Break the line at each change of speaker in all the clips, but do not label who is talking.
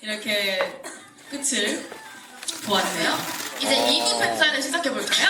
이렇게 끝을 보았네요. 이제 2부 팬사인을 시작해볼까요?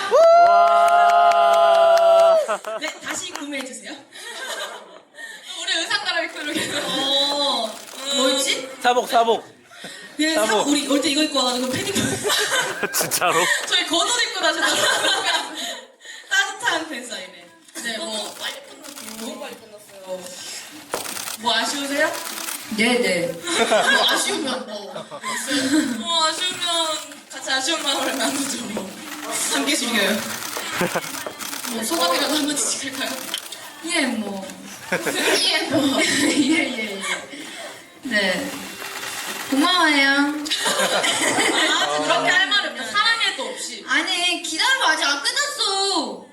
와.
네, 다시 구매해주세요. 우리 의상 갈아입고 이렇게. 뭐였지?
사복.
네,
사복.
우리 올 때 이거 입고 와가지고 패딩.
진짜로?
저희 겉옷 입고 나셨잖아요. 따뜻한 팬사인회. 네, 뭐 빨리 끝났어요. 너무 빨리 끝났어요. 뭐 아쉬우세요?
네네.
뭐 아쉬우면 뭐 아쉬우면 같이 아쉬운 마음을 나누죠. 뭐. 함께 즐겨요. 뭐 소감이라도 한마디씩 할까요?
예, 뭐.
예, 뭐.
예. 네. 고마워요.
아, 그렇게 할 말이 없네. 사랑해도 없이.
아니, 기다려봐. 아직 안 끝났어.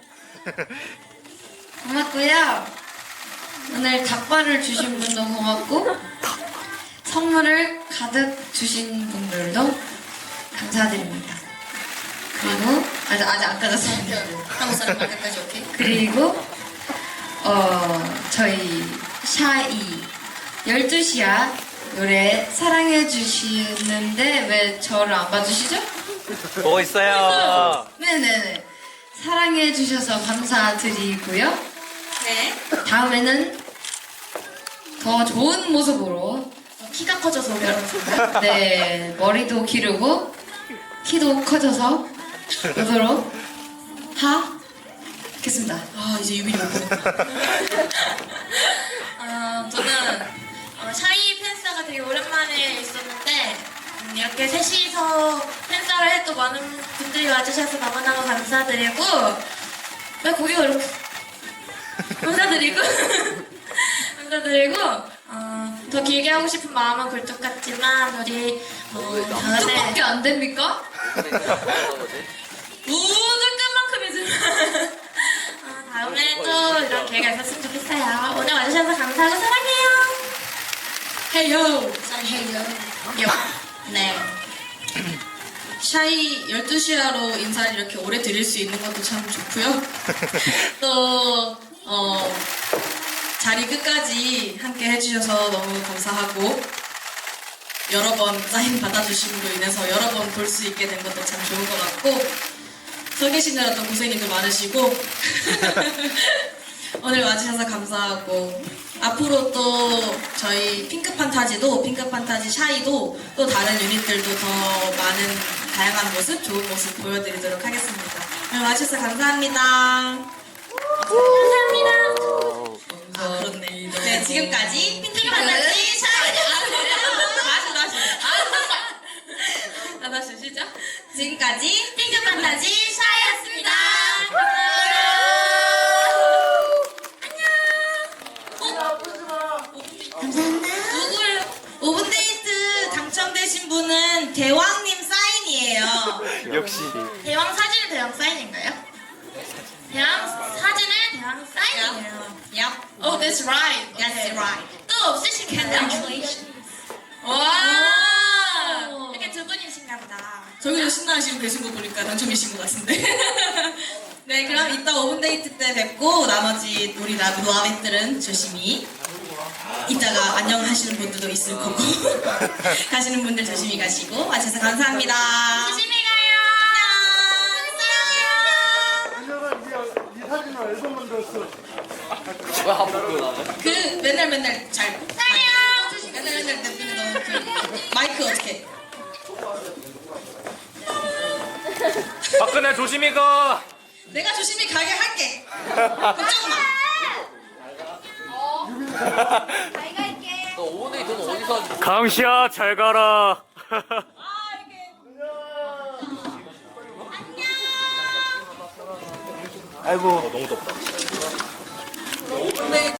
고맙고요. 오늘 닭발을 주신 분도 고맙고, 선물을 가득 주신 분들도 감사드립니다. 그리고, 아직 안 끝났습니다.
한국 사람 말까지 오케이.
그리고 저희 샤이 12시야 노래 사랑해 주시는데 왜 저를 안 봐주시죠?
보고 있어요.
네네네 사랑해 주셔서 감사드리고요.
네.
다음에는 더 좋은 모습으로
키가 커져서 그렇습니다.
네 머리도 기르고 키도 커져서 오도록 하겠습니다.
아, 이제 유빈이 못 보겠다. 저는 샤이 팬싸가 되게 오랜만에 있었는데 이렇게 셋이서 팬싸를 해도 많은 분들이 와주셔서 너무너무 감사드리고 왜 고개가 이렇게 감사드리고 더 길게 하고 싶은 마음은 굴뚝 같지만 우리 다음에
뜻밖에 안 됩니까?
무슨 끝만큼이지만 다음에 또 이런 기회가 있었으면 좋겠어요. 오늘 와주셔서 감사하고 사랑해요. 헤이요. 사랑해요. 네. 샤이 12시야로 인사를 이렇게 오래 드릴 수 있는 것도 참 좋고요. 또 자리 끝까지 함께 해주셔서 너무 감사하고 여러 번 사인 받아주심으로 인해서 여러 번 볼 수 있게 된 것도 참 좋은 것 같고 서 계시느라 또 고생이도 많으시고 오늘 와주셔서 감사하고 앞으로 또 저희 핑크판타지도 핑크판타지 샤이도 또 다른 유닛들도 더 많은 다양한 모습 좋은 모습 보여드리도록 하겠습니다. 오늘 와주셔서 감사합니다. 감사합니다. 아 그렇네. 네 지금까지 핑크판타지 샤이 다시 시작. 지금까지 핑크판타지 샤이였습니다. 누구예요? 오븐데이트 당첨되신 분은 대왕님 사인이에요.
역시.
대왕 사진은 대왕 사인인가요? 대왕 사진은 대왕 사인이에요. Yep. Oh, that's right. That's right. 또 없으신가요? Congratulations. 와. 이렇게 두 분이신가 보다. 저기도 신나하시고 계신 거 보니까 당첨이신 것 같은데. 네, 그럼 이따 오븐데이트 때 뵙고 나머지 우리 라비들은 조심히 이따가 안녕하시는 분들도 있을 거고 가시는 분들 조심히 가시고 와주셔서 감사합니다. 조심히 가요. 안녕. 사랑해요.
이 사진은 앨범 만들었어.
그 맨날 잘 사랑해요. 맨날 내비는 너그 마이크 어떻게?
박근혜 조심히 가.
내가 조심히 가게 할게. 걱정 마.
강시야 잘 가라. 아이고 너무 덥다.